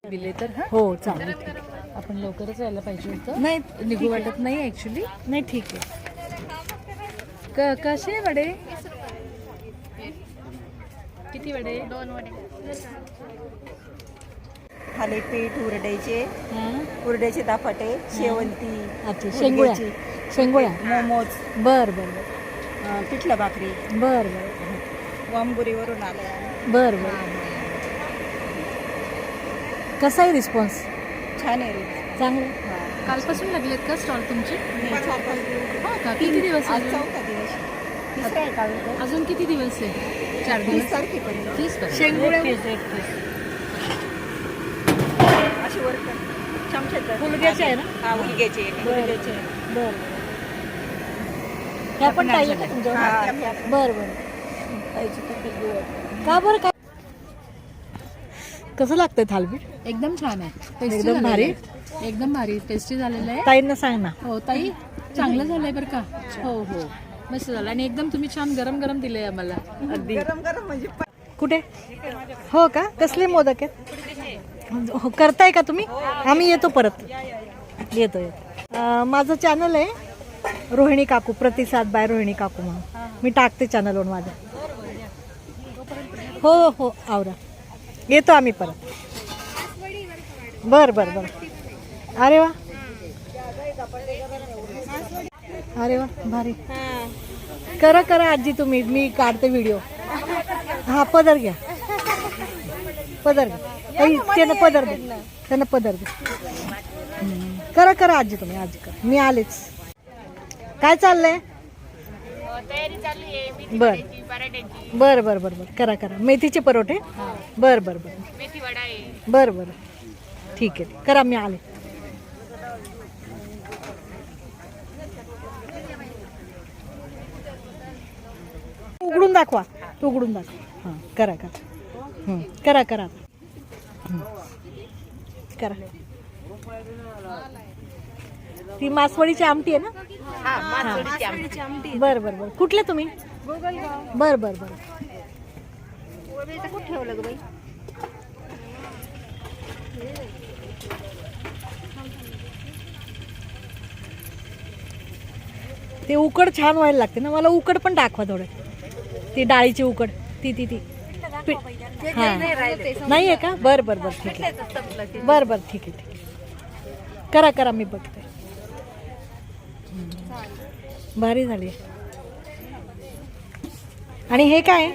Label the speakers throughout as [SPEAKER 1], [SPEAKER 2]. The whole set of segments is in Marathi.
[SPEAKER 1] दिले तर
[SPEAKER 2] हो चालेल.
[SPEAKER 1] आपण लवकरच यायला पाहिजे होतं.
[SPEAKER 2] नाही
[SPEAKER 1] निघू वाटत नाही ऍक्च्युली.
[SPEAKER 2] नाही ठीक आहे.
[SPEAKER 1] कसे वडे? किती वडे?
[SPEAKER 3] 2 वडे.
[SPEAKER 4] थालीपीठ,
[SPEAKER 2] हां
[SPEAKER 4] उरड्याचे दापाटे, शेवंती,
[SPEAKER 2] अच्छा शेंगोळ्या शेंगोळ्या
[SPEAKER 4] मोमोज,
[SPEAKER 2] बर बर बर
[SPEAKER 4] पिठलं भाकरी,
[SPEAKER 2] बर बर
[SPEAKER 4] वांबुरीवरून आले.
[SPEAKER 2] बर बर. कसा आहे रिस्पॉन्स?
[SPEAKER 4] छान आहे रे.
[SPEAKER 2] चांगलं.
[SPEAKER 1] कालपासून लागलेत का स्टॉल तुमचे?
[SPEAKER 4] चार पाच दिवस.
[SPEAKER 1] हो का? किती दिवस
[SPEAKER 4] आज
[SPEAKER 1] अजून?
[SPEAKER 4] चौथा दिवस. तिसरा आहे का?
[SPEAKER 1] अजून किती दिवस आहे? 4
[SPEAKER 4] 30
[SPEAKER 1] दिवस.
[SPEAKER 4] तारखेपर्यंत.
[SPEAKER 1] 30 पर्यंत.
[SPEAKER 2] शेंगोळ्या
[SPEAKER 4] अशी वर चमच्यात
[SPEAKER 2] हुलग्याचे आहे ना?
[SPEAKER 4] हा हुलग्याचे.
[SPEAKER 2] हुलग्याचे आहे. बर ह्या पण पाहिजे का तुमच्यावर? बर बर. का बरं काय कसं लागतंय थालपीठ?
[SPEAKER 1] एकदम छान आहे. टेस्टी
[SPEAKER 2] एकदम भारी?
[SPEAKER 1] एकदम भारी टेस्टी झालेलं आहे.
[SPEAKER 2] ताईंना सांग ना.
[SPEAKER 1] हो ताई चांगलं झालंय बरं का. हो हो मस्त झालं आणि एकदम तुम्ही छान गरम गरम दिलंय आम्हाला.
[SPEAKER 2] अगदी.
[SPEAKER 4] गरम गरम म्हणजे
[SPEAKER 2] कुठे? हो का? कसले मोदक आहेत? हो, करताय का तुम्ही? आम्ही येतो परत. येतो येतो. माझं चॅनल आहे रोहिणी काकू, प्रतिसाद बाय रोहिणी काकू म्हणून. मी टाकते चॅनलवर माझं. हो हो आवरा. येतो आम्ही परत. बर बर बर. अरे वा अरे वा भारी. करा करा आजी तुम्ही. मी काढते व्हिडिओ. हा पदर घ्या. पदर घ्या. त्यांना पदर दे. त्यांना पदर दे. करा करा आजी तुम्ही. आजी करा. मी आलेच. काय चाललंय?
[SPEAKER 3] तयारी चालू आहे. मेथी
[SPEAKER 2] बर
[SPEAKER 3] वड्याची, पराठ्याची,
[SPEAKER 2] बर बर बर बर. करा करा. मेथीचे परोठे. बर बर बर
[SPEAKER 3] मेथी वडा आहे.
[SPEAKER 2] बर बर. ठीक आहे करा. मी आले. उघडून दाखवा. तू उघडून दाखवा. हां करा करा. करा करा. करा. ती मासवडीची आमटी आहे ना?
[SPEAKER 3] मासवडीची आमटी.
[SPEAKER 2] बर बर बर. कुठले तुम्ही? बर बर बर.
[SPEAKER 4] कुठं ठेवलं ग बाई?
[SPEAKER 2] ते उकड छान व्हायला लागते ना. मला उकड पण दाखवा थोडं. ती डाळीची उकड. ती ती ती हां नाही आहे का? बर बर बर ठीक आहे. बर बर ठीक आहे ठीक आहे. करा करा. मी बघते. भारी झाली. आणि हे काय?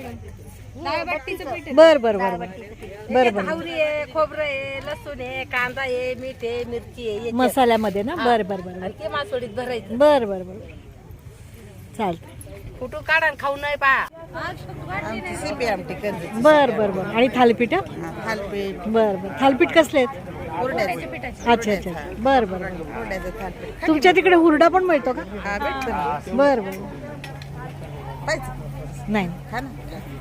[SPEAKER 2] बर बर बर बर बर बर.
[SPEAKER 4] आवरी आहे, खोबरं आहे, लसूण आहे, कांदा आहे, मीठ आहे, मिरची आहे.
[SPEAKER 2] मसाल्यामध्ये ना? बर बर बर
[SPEAKER 4] आणि ते मासवडीत भरायचं.
[SPEAKER 2] बर बर बर चालतं.
[SPEAKER 4] कुठून काढा आणि खाऊ नाही पा. सिपी आमटी करते.
[SPEAKER 2] बर बर बर. आणि थालीपीठ?
[SPEAKER 4] थालपीठ,
[SPEAKER 2] बर बर. थालीपीठ कसले आहेत?
[SPEAKER 4] हुरड्याचं.
[SPEAKER 2] अच्छा अच्छा. बर बर बर.
[SPEAKER 4] हुरड्याचं थालपीठ.
[SPEAKER 2] तुमच्या तिकडे हुरडा पण मिळतो का?
[SPEAKER 4] हा भेटतो ना.
[SPEAKER 2] बर बर.
[SPEAKER 4] पाहिजे.
[SPEAKER 2] नाही
[SPEAKER 4] खा ना.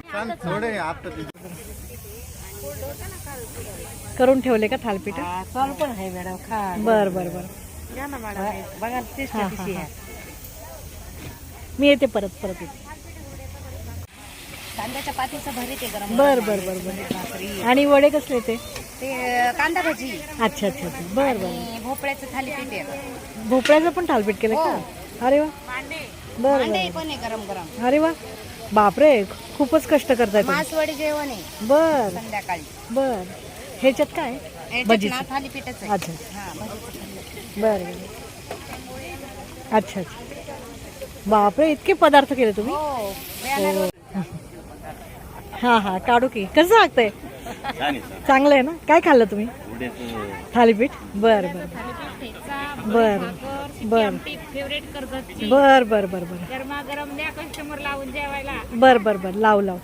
[SPEAKER 2] करून ठेवले का थालीपीठ?
[SPEAKER 4] चालू पण आहे मॅडम. खा.
[SPEAKER 2] बर बर बर.
[SPEAKER 4] घ्या ना मॅडम. बघा टेस्ट
[SPEAKER 2] हा,
[SPEAKER 4] कशी
[SPEAKER 2] हा,
[SPEAKER 4] आहे.
[SPEAKER 2] मी येते परत परत येते.
[SPEAKER 3] कांद्याच्या पातीचं भरीत आहे गरम.
[SPEAKER 2] बर बर बर बर. आणि वडे कसले ते?
[SPEAKER 3] ते कांदा भजी
[SPEAKER 2] अच्छा अच्छा अच्छा. बर बर.
[SPEAKER 3] आणि भोपळ्याचं थालीपीठ आहे.
[SPEAKER 2] भोपळ्याचं पण थालीपीठ केलं का? अरे वा. बर
[SPEAKER 3] अंडे
[SPEAKER 2] बर.
[SPEAKER 3] पण आहे गरम गरम.
[SPEAKER 2] अरे वा. बापरे खूपच कष्ट करताय तुम्ही.
[SPEAKER 3] मासवडी जेवण आहे
[SPEAKER 2] बर
[SPEAKER 3] संध्याकाळी.
[SPEAKER 2] बर. ह्याच्यात काय?
[SPEAKER 3] याच्यात
[SPEAKER 2] भजीचं.
[SPEAKER 3] ना थालीपीठच आहे.
[SPEAKER 2] अच्छा
[SPEAKER 3] हा भजीचं थालीपीठ.
[SPEAKER 2] बर बर. अच्छा अच्छा. बापरे इतके पदार्थ केले तुम्ही?
[SPEAKER 3] हो बॅनरवर.
[SPEAKER 2] हा हा काढू की. कसं लागतंय? चांगलं आहे ना? काय खाल्लं तुम्ही? थालीपीठ. बर बर बर बर
[SPEAKER 3] फेवरेट कर्जतची
[SPEAKER 2] बर बर बर बर
[SPEAKER 3] गरमागरम द्या कस्टमर लावून जेवायला.
[SPEAKER 2] बर बर बर. लाव लाव.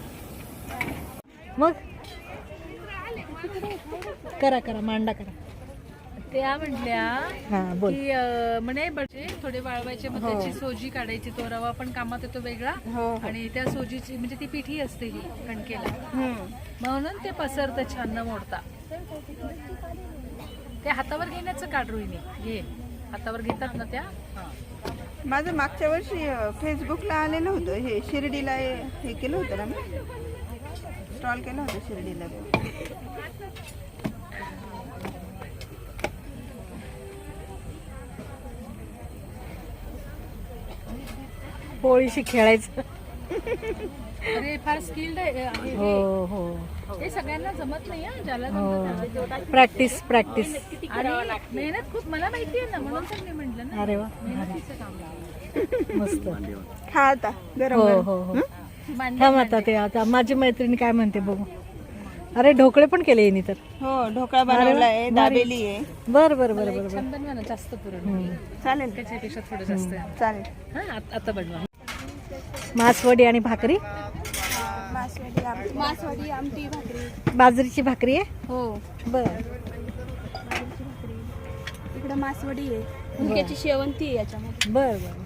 [SPEAKER 2] मग करा करा. मांडा करा.
[SPEAKER 1] त्या म्हटल्या
[SPEAKER 2] हा बोल.
[SPEAKER 1] की म्हणे बटे थोडे वाळवायचे मग त्याची सोजी काढायची. तो रवा पण कामात येतो वेगळा. आणि त्या सोजीची म्हणजे ती पिठी असते ही कणकेला म्हणून ते पसरतं छान न मोडता. ते हातावर घेण्याचं काढ रोहिणी. घे हातावर घेतात ना त्या.
[SPEAKER 4] माझं मागच्या वर्षी फेसबुकला आलेलं होतं. हे शिर्डीला हे केलं होतं ना मी. स्टॉल केला होता शिर्डीला.
[SPEAKER 2] पोळीशी खेळायचं.
[SPEAKER 1] अरे फार स्किल्ड आहे
[SPEAKER 2] हो हो
[SPEAKER 1] हे सगळ्यांना जमत नाही हा, ज्याला
[SPEAKER 2] हो
[SPEAKER 1] जमतं त्याला.
[SPEAKER 2] Practice practice.
[SPEAKER 1] आणि मेहनत खूप मला माहिती आहे ना, म्हणून तर मी म्हटलं ना
[SPEAKER 2] अरे वा
[SPEAKER 1] मेहनतीचं काम आहे.
[SPEAKER 2] मस्त.
[SPEAKER 4] खा आता गरम
[SPEAKER 2] हो
[SPEAKER 4] गरम.
[SPEAKER 2] हो हो
[SPEAKER 1] मांडे-
[SPEAKER 2] थांब आता ते आता माझी मैत्रिणी काय म्हणते बघू. अरे ढोकळे पण केले येणी तर.
[SPEAKER 4] हो ढोकळा बनवलाय, दाबेली आहे.
[SPEAKER 2] बर बर बर
[SPEAKER 1] एक
[SPEAKER 2] बर
[SPEAKER 1] छान बनवा ना, जास्त पुरण
[SPEAKER 4] चालेल
[SPEAKER 1] त्याच्यापेक्षा थोडं जास्त आहे.
[SPEAKER 4] चालेल.
[SPEAKER 1] हा आता बनवा.
[SPEAKER 2] मासवडी आणि भाकरी.
[SPEAKER 5] मासवडी आमटी भाकरी.
[SPEAKER 2] बाजरीची भाकरी आहे.
[SPEAKER 5] हो
[SPEAKER 2] बर
[SPEAKER 5] इकडे मासवडी आहे, हुंक्याची शेवंती आहे याच्यामध्ये.
[SPEAKER 2] बर बर.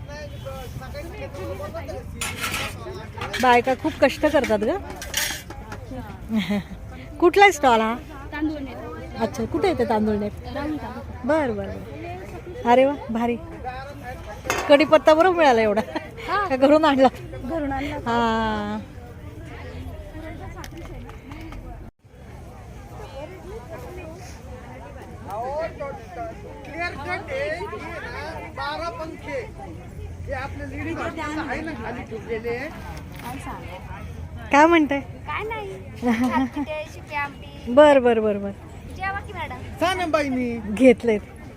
[SPEAKER 2] बायका खूप कष्ट करतात ग. कुठला स्टॉल हा?
[SPEAKER 5] तांदूळ नाही
[SPEAKER 2] अच्छा कुठे येते तांदूळ नेट?
[SPEAKER 5] राहून का?
[SPEAKER 2] बर बर बर. अरे वा भारी. कढीपत्ता बरोबर मिळाला एवढा का घरून आणला?
[SPEAKER 5] घरून आणला.
[SPEAKER 2] हा काय म्हणताय?
[SPEAKER 5] काय नाही शिपी आमटी.
[SPEAKER 2] बर बर बर बर
[SPEAKER 5] जेवा की मॅडम.
[SPEAKER 2] घेतले.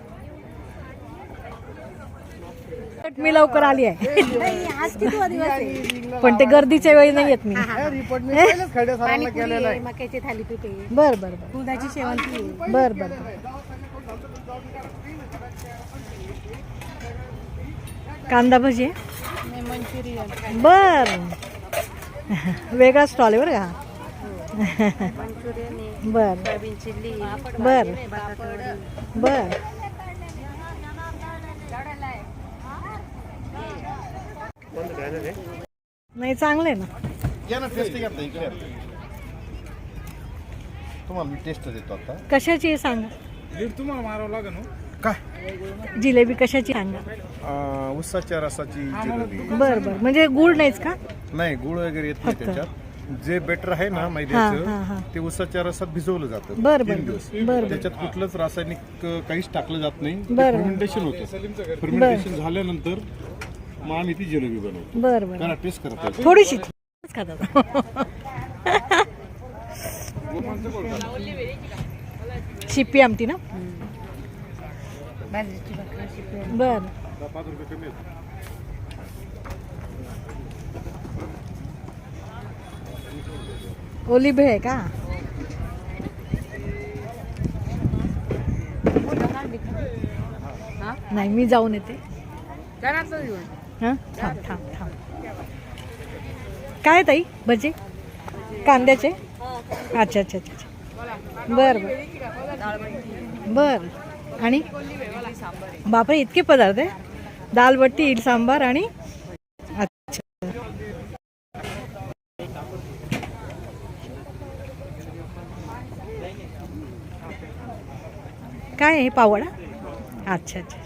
[SPEAKER 2] मी लवकर आली आहे
[SPEAKER 5] आज किती दिवस आहे?
[SPEAKER 2] पण ते गर्दीच्या वेळी नाही येत मी.
[SPEAKER 5] मक्याची थालीपीठ आहे,
[SPEAKER 2] बर बर बर
[SPEAKER 5] दुधाची शेवंती आहे.
[SPEAKER 2] बर बर बर. कांदा भजी आहे?
[SPEAKER 5] मंचुरियन,
[SPEAKER 2] बर. वेगळा स्टॉल आहे बरं का.
[SPEAKER 5] मंचुरियन आहे,
[SPEAKER 2] बर
[SPEAKER 5] सोयाबीन चिल्ली,
[SPEAKER 2] बर
[SPEAKER 5] बटाटा
[SPEAKER 2] बर. नाही चांगलं आहे ना.
[SPEAKER 6] या ना टेस्ट घ्या इकडे. तुम्हाला मी टेस्ट देतो आता.
[SPEAKER 2] कशाची आहे सांगा.
[SPEAKER 6] तुम्हाला मारावं लागेल काय?
[SPEAKER 2] जिलेबी कशाची सांगा.
[SPEAKER 6] उसाच्या रसाची जिलेबी.
[SPEAKER 2] बर बर म्हणजे गुळ नाहीच का?
[SPEAKER 6] नाही गुळ वगैरे येत नाही त्याच्यात. जे बेटर आहे ना
[SPEAKER 2] हा, हा, हा.
[SPEAKER 6] मैद्याचं ते उसाच्या रसात भिजवलं जातं
[SPEAKER 2] बर, बर,
[SPEAKER 6] 3 दिवस.
[SPEAKER 2] बर, बर.
[SPEAKER 6] त्याच्यात कुठलंच रासायनिक काहीच टाकलं जात नाही.
[SPEAKER 2] बर.
[SPEAKER 6] फर्मेंटेशन होतं. फर्मेंटेशन झाल्यानंतर मग आम्ही ती जिलेबी बनवतो.
[SPEAKER 2] बर बर.
[SPEAKER 6] करा टेस्ट करा.
[SPEAKER 2] थोडीशी खातात. शिप्पी आमटी ना.
[SPEAKER 5] बाजरीची भाकरी, शिपी.
[SPEAKER 2] बर
[SPEAKER 6] 5 रुपये कमी आहेत.
[SPEAKER 2] ओली भेळ आहे का? नाही मी जाऊन येते. हा थांब थांब थांब. काय ताई भजी कांद्याचे? अच्छा अच्छा अच्छा. बर बर बर. आणि बापरे इतके पदार्थ आहे. दाल बट्टी, इडली सांबार आणि अच्छा. काय आहे पावडा? अच्छा अच्छा.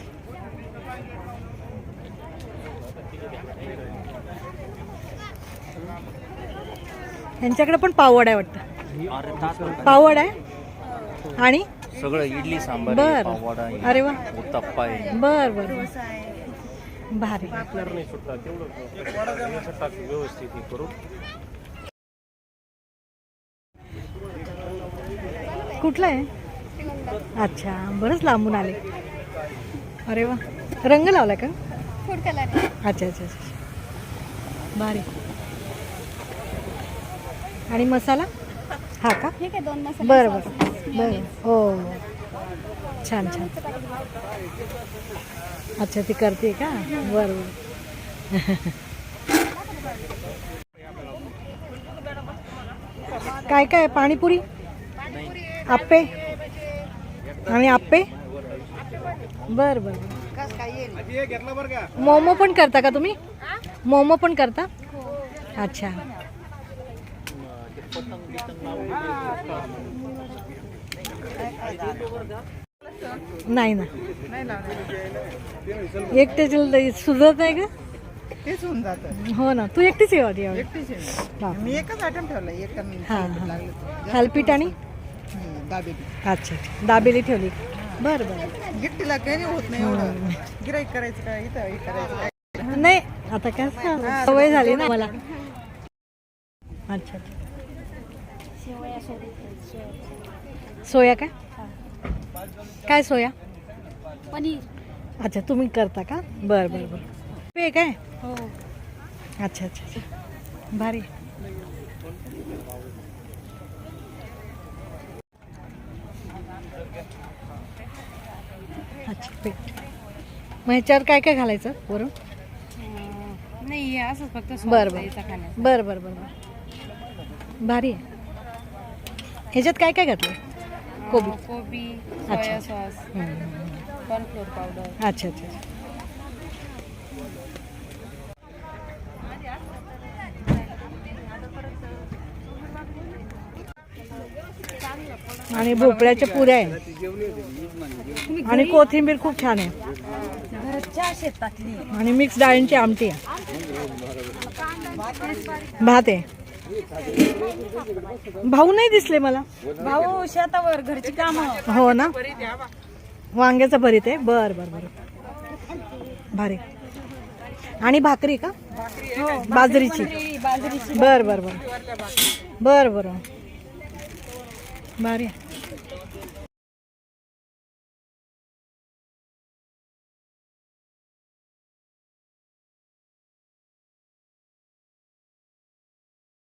[SPEAKER 2] यांच्याकडे पण पावड आहे वाटतं. पावड आहे आणि
[SPEAKER 7] सगळं इडली सांबार
[SPEAKER 2] बर.
[SPEAKER 7] पाववडा आहे,
[SPEAKER 2] अरे वा.
[SPEAKER 7] उत्तप्पा आहे.
[SPEAKER 2] बर बर भारी.
[SPEAKER 7] व्यवस्थित हे करून
[SPEAKER 2] कुठलं आहे? अच्छा बरंच लांबून आले. अरे वा. रंग लावला का?
[SPEAKER 5] Food colour.
[SPEAKER 2] अच्छा अच्छा अच्छा. भारी. आणि मसाला हा का?
[SPEAKER 5] ठीक आहे, 2 मसाले.
[SPEAKER 2] बरं बरं बरं. हो छान छान. अच्छा ती करते का? बरं बरं. काय काय? पाणीपुरी, आप्पे आणि आप्पे. बर बर. मोमो पण करता का तुम्ही? मोमो पण करता? अच्छा. नाही ना एकटे सुचत नाही का?
[SPEAKER 4] तेच होऊन जातं.
[SPEAKER 2] हो ना. तू एकटीच आहे वाटी यावेळी?
[SPEAKER 4] एकटीच आहे.
[SPEAKER 2] बापरे.
[SPEAKER 4] मी एकच आयटम ठेवला. एक
[SPEAKER 2] हा
[SPEAKER 4] लागलं
[SPEAKER 2] हा. थालपीठ आणि
[SPEAKER 4] दाबेली.
[SPEAKER 2] अच्छा दाबेली ठेवली. बरं बरं.
[SPEAKER 4] गिफ्टीला काही नाही होत नाही एवढं. गिराईक करायचं काय, इथं हे करायचं काय.
[SPEAKER 2] नाही आता काय सवय झाली ना मला. अच्छा सोया काय सोया
[SPEAKER 5] पनीर.
[SPEAKER 2] अच्छा तुम्ही करता का? बरं बरं बरं. पे काय?
[SPEAKER 5] हो.
[SPEAKER 2] अच्छा अच्छा अच्छा भारी. अच्छा पेट. मग ह्याच्यावर काय काय घालायचं वरून?
[SPEAKER 3] नाही असंच फक्त
[SPEAKER 2] बरं बरं बरं बरं बरं भारी आहे. ह्याच्यात काय काय घातलं?
[SPEAKER 3] कोबी
[SPEAKER 2] अच्छा.
[SPEAKER 3] सॉस
[SPEAKER 2] हम्म.
[SPEAKER 3] Cornflour powder.
[SPEAKER 2] अच्छा अच्छा अच्छा. आणि भोपळ्याच्या पुऱ्या आहे आणि कोथिंबीर खूप छान आहे
[SPEAKER 3] घरच्या शेतातली.
[SPEAKER 2] आणि मिक्स डाळींची आमटी आहे. भात आहे. भाऊ नाही दिसले मला.
[SPEAKER 3] भाऊ शेतावर घरची कामं.
[SPEAKER 2] हो ना वांग्याचं भरीत आहे. बर बर बर भारी. आणि भाकरी का? बाजरीची. बर बर बर बर बर भारी.